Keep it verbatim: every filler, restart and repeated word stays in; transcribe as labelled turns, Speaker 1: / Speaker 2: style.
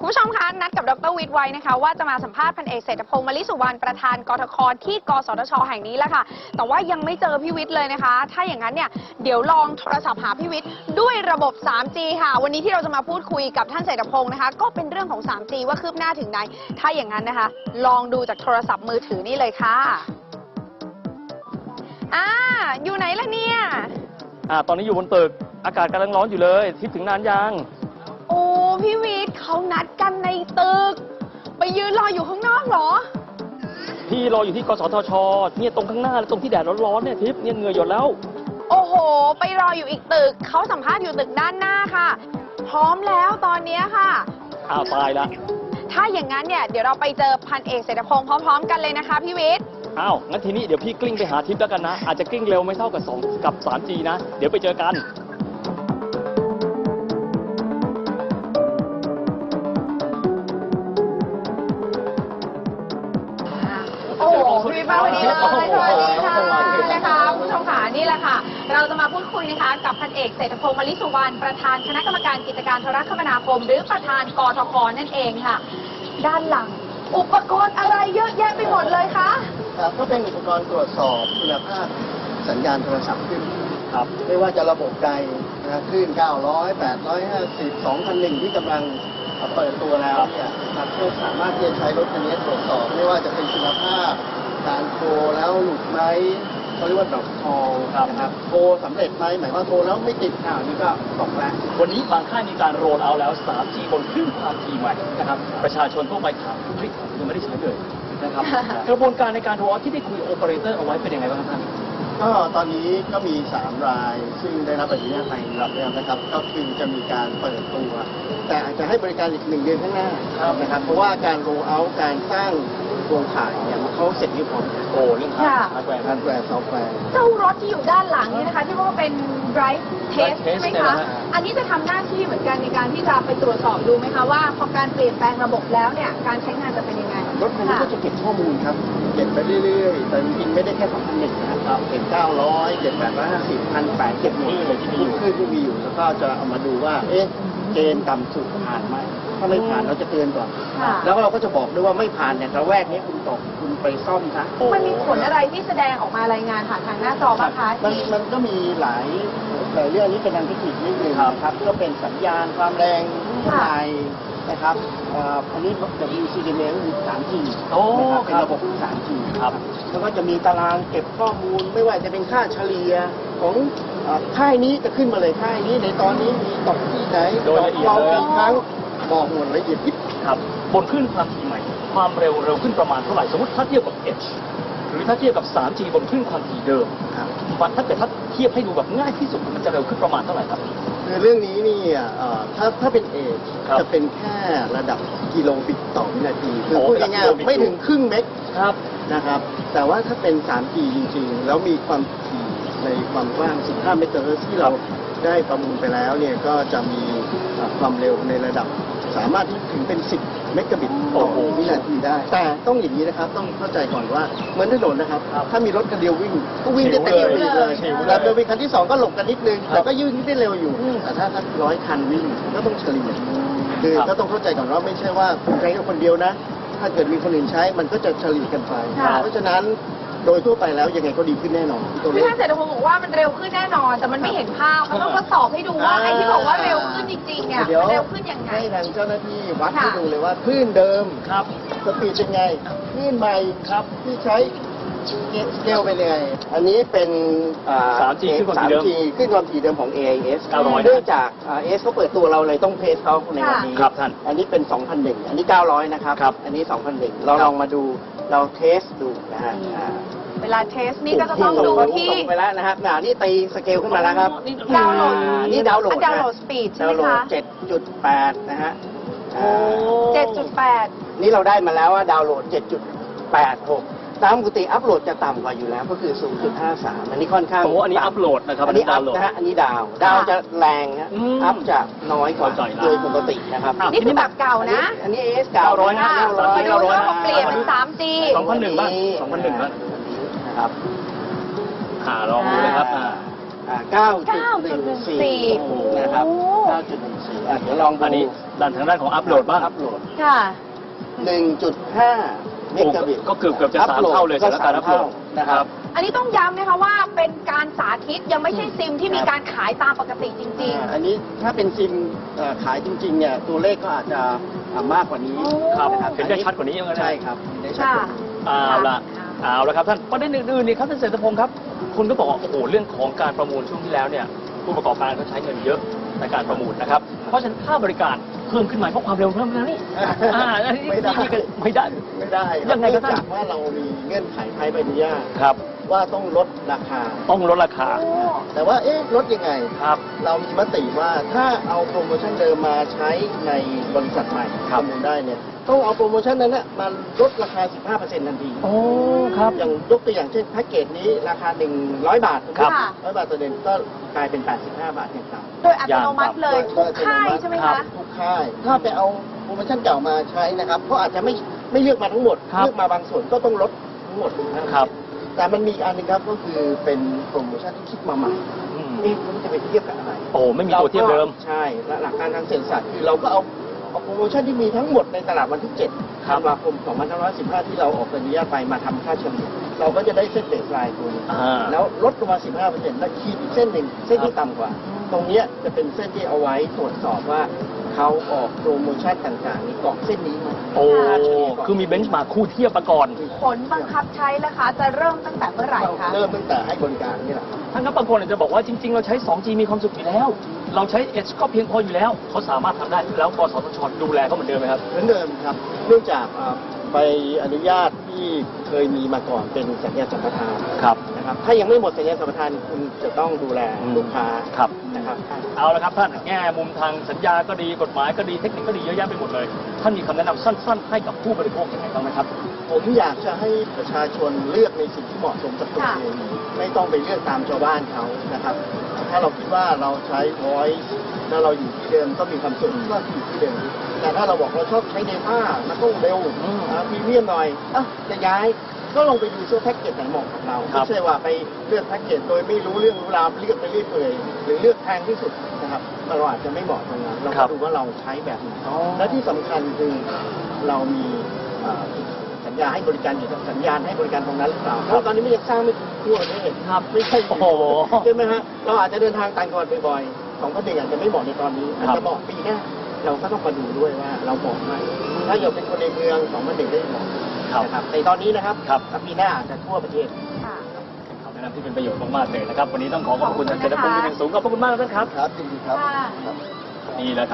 Speaker 1: ผู้ชมคะนัดกับดร.วิทย์ไว้นะคะว่าจะมาสัมภาษณ์พันเอกเศรษฐพงษ์ มลิสุวรรณประธานกทค.ที่กสทช.แห่งนี้แหละค่ะแต่ว่ายังไม่เจอพี่วิทย์เลยนะคะถ้าอย่างนั้นเนี่ยเดี๋ยวลองโทรศัพท์หาพี่วิทย์ด้วยระบบ ทรี จี ค่ะวันนี้ที่เราจะมาพูดคุยกับท่านเศรษฐพงษ์นะคะก็เป็นเรื่องของ ทรี จี ว่าคืบหน้าถึงไหนถ้าอย่างนั้นนะคะลองดูจากโทรศัพท์มือถือนี่เลยค่ะอ่าอยู่ไหนล่ะเนี่ย
Speaker 2: อ่าตอนนี้อยู่บนตึกอากาศกำลังร้อนอยู่เลยทิพย์ถึงนานยัง
Speaker 1: โอ้พี่วิทย์เขานัดกันในตึกไปยืนรออยู่ข้างนอกเหรอ
Speaker 2: พี่รออยู่ที่กสทช.เนี่ยตรงข้างหน้าตรงที่แดดร้อนๆเนี่ยทิพย์เนี่ยเหงื่อหยดแล้ว
Speaker 1: โอ้โหไปรออยู่อีกตึกเขาสัมภาษณ์อยู่ตึกด้านหน้าค่ะพร้อมแล้วตอนนี้ค่ะ
Speaker 2: อ้าวตายละ
Speaker 1: ถ้าอย่างนั้นเนี่ยเดี๋ยวเราไปเจอพันเอกเศรษฐพงษ์พร้อมๆกันเลยนะคะพี่วิทย์
Speaker 2: อ้าวงั้นทีนี้เดี๋ยวพี่กลิ้งไปหาทิพย์แล้วกันนะอาจจะกลิ้งเร็วไม่เท่ากับสองกับ ทรี จี นะเดี๋ยวไปเจอกัน
Speaker 1: โอ้โหพี่วิทย์มาวันนี้เลยสวัสดีค่ะนะคะผู้ชมค่ะนี่แหละค่ะเราจะมาพูดคุยนะคะกับพันเอกเศรษฐพงษ์ มลิสุวรรณประธานคณะกรรมการกิจการโทรคมนาคมหรือประธานกทค.นั่นเองค่ะด้านหลังอุปกรณ์อะไรเยอะแยะไปหมดเลยคะ
Speaker 3: ครับก็เป็นอุปกรณ์ตรวจสอบคุณภาพสัญญาณโทรศัพท์ขึ้นครับไม่ว่าจะระบบใดนะคลื่นเก้าร้อย แปดร้อยห้าสิบ สองพันหนึ่งที่กำลังเปิดตัวแล้วเนี่ยครับก็สามารถที่จะใช้รถคันนี้ตรวจสอบไม่ว่าจะเป็นคุณภาพการโทรแล้วหลุดไหมเขาเรียกว่าดอกทองนะครับโทรสำเร็จไหมหมายว่าโทรแล้วไม่ติดข่าวนี่ก็ตกแล้ว
Speaker 2: วันนี้บางค่ายมีการโรลเอาท์แล้ว ทรี จี บนคลื่นความถี่ใหม่นะครับประชาชนทั่วไปถามคุณวิทย์ยังไม่ได้ใช้เลยนะครับ กระบวนการในการโรลเอาท์ที่ได้คุยโอเปอเรเตอร์เอาไว้เป็นยังไงบ้างครับท่าน
Speaker 3: ก็ตอนนี้ก็มีสามรายซึ่งได้รับอนุญาตไปรับแล้วนะครับก็คือจะมีการเปิดตัวแต่อาจจะให้บริการอีกหนึ่งเดือนข้างหน้านะครับเพราะว่าการโรลเอาท์การสร้างโครงข่ายเนี่ยมันเขาเสร็จเรียบร้อย
Speaker 2: โอ้เรื่องฮาร์ดแวร์
Speaker 3: ฮาร์ดแวร์ซอฟต์แวร์
Speaker 1: เจ้ารถที่อยู่ด้านหลังนี่นะคะที่ว่าเป็น drive test ใช่ไหมคะอันนี้จะทำหน้าที่เหมือนกันในการที่จะไปตรวจสอบดูไหมคะว่าพอการเปลี่ยนแปลงระบบแล้วเนี่ยการใช้งานจะเป็นยังไง
Speaker 3: รถคันนี้ก็จะเก็บข้อมูลครับเก็บไปเรื่อยๆแต่จริงๆไม่ได้แค่สองพันหนึ่งนะครับเก็บเก้าร้อยเก็บแปดร้อยห้าสิบพันแปดเก็บหมดเลยที่มีอยู่ที่มีอยู่แล้วก็จะเอามาดูว่าเอ๊ะเกณฑ์ต่ำสุดผ่านไหมถ้าไม่ผ่านเราจะเตือนก่อนแล้วเราก็จะบอกด้วยว่าไม่ผ่านเนี่ยระแวกนี้คุณตกคุณไปซ่อมซะ
Speaker 1: มันมีผลอะไรที่แสดงออกมารายงานผ่านทางหน้าจอบ้างคะ
Speaker 3: มันมันก็มีหลายหลายเรื่องนี้เป็นทางเทคนิคนิดนึงครับก็เป็นสัญญาณความแรงเท่าไหร่นะครับอันนี้ ดับเบิลยู ซี ดี เอ็ม คือ ทรี จี นะครับเป็นระบบ ทรี จี ครับแล้วก็จะมีตารางเก็บข้อมูลไม่ว่าจะเป็นค่าเฉลี่ยของค่ายนี้จะขึ้นมาเลยค่ายนี้ในตอนนี้มีตกที่ไหนตกเรากี่ครั้งบอกหมดละเอียดยิบ
Speaker 2: ครับบนคลื่นความถี่ใหม่ความเร็วเร็วขึ้นประมาณเท่าไหร่สมมติถ้าเทียบกับ H หรือถ้าเทียบกับ ทรี จี บนคลื่นความถี่เดิมมันถ้าเกิดถ้าเทียบให้ดูแบบง่ายที่สุดมันจะเร็วขึ้นประมาณเท่าไหร่ครับ
Speaker 3: คือเรื่องนี้นี่ถ้าถ้าเป็น H จะเป็นแค่ระดับกิโลบิตต่อวินาทีคือพูดง่ายๆไม่ถึงครึ่งเมกครับนะครับแต่ว่าถ้าเป็น ทรี จี จริงๆแล้วมีความถี่ในความกว้างสิบห้าเมกะเฮิรตซ์ที่เราได้ประมูลไปแล้วเนี่ยก็จะมีความเร็วในระดับสามารถที่ถึงเป็นสิบเมกะบิตต่อวินาทีได้แต่ต้องอย่างนี้นะครับต้องเข้าใจก่อนว่าเหมือนถนนนะครับถ้ามีรถคันเดียววิ่งก็วิ่งได้เต็มที่เลยแล้วโดยมีคันที่สองก็หลบกันนิดนึงแต่ก็ยืนได้เร็วอยู่แต่ถ้าสักร้อยคันวิ่งก็ต้องเฉลี่ยคือก็ต้องเข้าใจก่อนว่าไม่ใช่ว่าคุณใช้คนเดียวนะถ้าเกิดมีคนอื่นใช้มันก็จะเฉลี่ยกันไปเพราะฉะนั้นโดยทั่วไปแล้วยังไงก็ดีขึ้นแน่นอน
Speaker 1: พี่ท่านเศรษฐพงศ์บอกว่ามันเร็วขึ้นแน่นอนแต่มันไม่เห็นภาพมันต้องทดสอบให้ดูว่าไอ้ที่บอกว่าเร็วขึ้นจริงๆเนี่ยเร็วขึ้นยังไง
Speaker 3: ให้ทางเจ้าหน้าที่วัดให้ดูเลยว่าคลื่นเดิมครับสปีดเป็นไงคลื่นใหม่ครับที่ใช้สเกลเป็นยังไงอันนี้เป็น
Speaker 2: ทรี จี ขึ้นความถี่เดิม
Speaker 3: ขึ้นความถี่เดิมของ เอ ไอ เอส เนื่องจาก เอ เอ เอส เขาเปิดตัวเราเลยต้องเทสเขาในวันนี้
Speaker 2: ครับท่าน
Speaker 3: อันนี้เป็น สองพันหนึ่ง อันนี้ เก้าร้อย นะครับอันนี้ สองพันหนึ่ง เราลองมาดูเราเทสดูนะฮะ
Speaker 1: เวลาเทสนี่ก็จะต้องดูที่
Speaker 3: ไปแล้วนะครับนี่ตีสเกลขึ้นมาแล้วครับ
Speaker 1: ดาวน์โหลด
Speaker 3: นี่ดาวน์โหลด
Speaker 1: ดาวน์โหลดสปีดใช่ไหมคะ
Speaker 3: เจ็ดจุดแปด นะฮะ
Speaker 1: เจ็ดจุดแปด
Speaker 3: นี่เราได้มาแล้วว่าดาวน์โหลด เจ็ดจุดแปดหก ตามปกติอัพโหลดจะต่ำกว่าอยู่แล้วก็คือ ศูนย์จุดห้าสาม อันนี้ค่อนข้าง
Speaker 2: โอ้อันนี้อัพโหลดนะครับ
Speaker 3: อันนี้อัพนะฮะอันนี้ดาวดาวจะแรงฮะอัพจะน้อยกว่าโดยปกตินะครับ
Speaker 1: นี่คือแบบเก่านะ
Speaker 3: อันนี้ เอ เอส เก้าร้อย
Speaker 1: นะมาดูว่าเปลี่ยนเป็น ทรี จี
Speaker 2: สองพันหนึ่งบ้างสองพันหนึ่งบ้าง
Speaker 3: นะครับ
Speaker 2: หาลองดูเลยครับ
Speaker 3: เก้าจุดหนึ่งสี่
Speaker 1: โอ้โห
Speaker 3: นะครับเก้าจุดหนึ่งสี่อ่ะเดี๋ยวลองดู
Speaker 2: อันนี้ด้านทางด้านของอัพโหลดบ้าง
Speaker 3: อัพโหลด
Speaker 1: ค่ะ
Speaker 3: หนึ่งจุดห้าเมกะบิต
Speaker 2: ก็เกือบเกือบจะสามเท่าเลยสำหรับการอัพโหลด
Speaker 3: นะครับ
Speaker 1: อันนี้ต้องย้ำนะคะว่าเป็นการสาธิตยังไม่ใช่ซิมที่มีการขายตามปกติจริง
Speaker 3: อ่าอันนี้ถ้าเป็นซิมเอ่อขายจริงๆเนี่ยตัวเลขก็อาจจะอ่ามากกว่านี้
Speaker 1: โอ้
Speaker 2: ครับ
Speaker 3: นะครับ
Speaker 2: เห็นได้ชัดกว่านี้ยังไงนะ
Speaker 3: ใช่ครับเห็นได้
Speaker 1: ๆ
Speaker 3: ชัด
Speaker 1: ค่ะ
Speaker 3: กว่านี้
Speaker 2: เอาละ
Speaker 1: ค่ะ
Speaker 2: เอาละครับท่านประเด็นอื่นๆนี่ครับท่านเศรษฐพงศ์ครับคุณก็บอกว่าโอ้โหเรื่องของการประมูลช่วงที่แล้วเนี่ยผู้ประกอบการเขาใช้เงินเยอะในการประมูลนะครับเพราะฉะนั้นค่าบริการเพิ่มขึ้นมาเพราะความเร็วเพิ่มขึ้นนี่อ่าอันนี้
Speaker 3: ไม่ได้
Speaker 2: นี่ก็ไม่ได้
Speaker 3: ไม่ได้ครับ
Speaker 2: ยังไงครับท่าน
Speaker 3: เนื่อจากว่าเรามีเงื่อนไขภายใบอนุญาต
Speaker 2: ครับ
Speaker 3: ว่าต้องลดราคา
Speaker 2: ต้องลดราคา
Speaker 1: โอ้
Speaker 3: แต่ว่าเอ๊ะลดยังไง
Speaker 2: ครับ
Speaker 3: เรามีมติว่าถ้าเอาโปรโมชั่นเดิมมาใช้ในบริษัทใหม่
Speaker 2: ครั
Speaker 3: ป
Speaker 2: บ
Speaker 3: ระมูลได้เนี่ยต้องเอาโปรโมชั่นนั้นนะมาลดราคา สิบห้าเปอร์เซ็นต์ ทันที
Speaker 2: โอ้ครับ
Speaker 3: อย่างยกตัวอย่างเช่นแพ็กเกจนี้ราคา หนึ่งร้อย บาท
Speaker 2: ครับ
Speaker 1: ค่ะ
Speaker 3: ร้อยบาทต่อเดือนก็กลายเป็น แปดสิบห้า บาทอย่างต่ำ
Speaker 1: โดยอัตโนมัติเลย
Speaker 3: อย่าง
Speaker 1: ทุกค่ายใช่ไหม
Speaker 2: ครั
Speaker 1: คะ
Speaker 2: บ
Speaker 3: ทุกค่าย ถ้าไปเอาโปรโมชั่นเก่ามาใช้นะครับก็อาจจะไม่ไม่เลือกมาทั้งหมด
Speaker 2: ครับ
Speaker 3: เลือกมาบางส่วนก็ต้องลดทั้งหมดนะครับ แต่มันมีอีกอันหนึงครับก็คือเป็นโปรโมชั่นที่คิดมาใหม่
Speaker 2: อืม
Speaker 3: นี่มันจะไปเทียบกับอะไร
Speaker 2: โอ้ไม่มีตัวเทียบเดิม
Speaker 3: ราก็ใช่และหลักการทางเศรษฐศาสตร์คือเราก็เอาเอาโปรโมชั่นที่มีทั้งหมดในตลาดวันที่ เจ็ด
Speaker 2: ครั
Speaker 3: ธั
Speaker 2: บ
Speaker 3: นวาคม สองพันห้าร้อยสิบห้า ที่เราออกใบอนุญาตไปมาทำค่าเฉลี่ยเราก็จะได้เส้นเบสไลน์ตัวนี้
Speaker 2: อ่า
Speaker 3: แล้วลดลงมา สิบห้าเปอร์เซ็นต์ แล้วขีดอีกเส้นหนึ่งเส้นที่ต่ำกว่า ตรงเนี้ยจะเป็นเส้นที่เอาไว้ตรวจสอบว่าเขาออกโปรโมชั่นต่างๆนี้เกาะเส้นนี้ไหม
Speaker 2: โอ้คือมีเบนช์มาร์คคู่เทียบมาก่อน
Speaker 1: ผลบังคับใช้นะคะ จะเริ่มตั้งแต่เมื่อไหร่คะ
Speaker 3: เริ่มตั้งแต่ให้บริการนี่แหละครับ
Speaker 2: ท่านครับบางคนอาจจะบอกว่าจริงๆ เราใช้ สองจี มีความสุขอยู่แล้ว เราใช้ Edge ก็เพียงพออยู่แล้ว เขาสามารถทำได้แล้วกสทชดูแลเขาเหมือนเดิมไหมครับ
Speaker 3: เหมือนเดิมครับ เนื่องจากอ่าใบอนุญาตที่เคยมีมาก่อนเป็นสัญญาสัมปทาน
Speaker 2: ครับ
Speaker 3: นะครับ ถ้ายังไม่หมดสัญญาสัมปทานคุณจะต้องดูแล
Speaker 2: อืม
Speaker 3: ลูกค้า
Speaker 2: ครับ
Speaker 3: นะครับ
Speaker 2: เอาละครับท่านแง่มุมทางสัญญาก็ดีกฎหมายก็ดีเทคนิคก็ดีเยอะแยะไปหมดเลย ท่านมีคำแนะนำสั้นๆ ให้กับผู้บริโภคยังไงบ้างไหมครับ
Speaker 3: ผมอยากจะให้ประชาชนเลือกในสิ่งที่เหมาะสมกับตัวเองไม่ต้องไปเลือกตามชาวบ้านเขานะครับ ถ้าเราคิดว่าเราใช้ voice แล้วเราอยู่ที่เดิมก็มีความสุขก็อยู่ที่เดิม แต่ถ้าเราบอกเราชอบใช้ data มันต้องเร็ว
Speaker 2: อืม
Speaker 3: พรีเมียมหน่อยอ่ะจะย้ายก็ลองไปดูเสื้อแพ็กเกจไหนเหมาะกับเรา
Speaker 2: ครับ
Speaker 3: ไม่ใช่ว่าไปเลือกแพ็กเกจโดยไม่รู้เรื่องรู้ราวเลือกไปเรื่อยเปื่อยหรือเลือกแพงที่สุดนะครับเราอาจจะไม่เหมาะตรงนั้นเรา
Speaker 2: ครั
Speaker 3: ก็
Speaker 2: บ
Speaker 3: ดูว่าเราใช้แบบไหน
Speaker 2: อ๋อ
Speaker 3: และที่สำคัญคือเรามีเอ่อสัญญาให้บริการอยู่สัญญาณให้บริการตรงนั้นหรือเปล่าเพราะตอนนี้ไม่ยังสร้างไม่ถึงทั่วประเทศ
Speaker 2: ครับ
Speaker 3: ไม่ใช่
Speaker 2: โอ้โห
Speaker 3: ใช่ไหมฮะเราอาจจะเดินทางต่างจังหวัดบ่อยๆสองพันหนึ่งอาจจะไม่เหมาะในตอนนี้อาจ
Speaker 2: ครับ
Speaker 3: จะเหมาะปีหน้าเราก็ต้องมาดูด้วยว่าเราเหมาะไหมถ้าอยากเป็นคนในเมืองสองพันหนึ่งได้เหมาะ
Speaker 2: ครับ
Speaker 3: นะครับในตอนนี้นะครับ
Speaker 2: ครับ
Speaker 3: ถ้าปีหน้าอาจจะทั่วประเทศ
Speaker 1: ค่ะ
Speaker 2: คำแนะนำที่เป็นประโยชน์มากๆเลยนะครับ วันนี้ต้องขอขอบคุณท่านเจษฎพงศ์เป็นอย่างสูงขอบพระคุณมากท่านครับ
Speaker 3: ครับจริงครับ
Speaker 1: ค่ะ
Speaker 3: ครับ
Speaker 2: นี่แหละครับ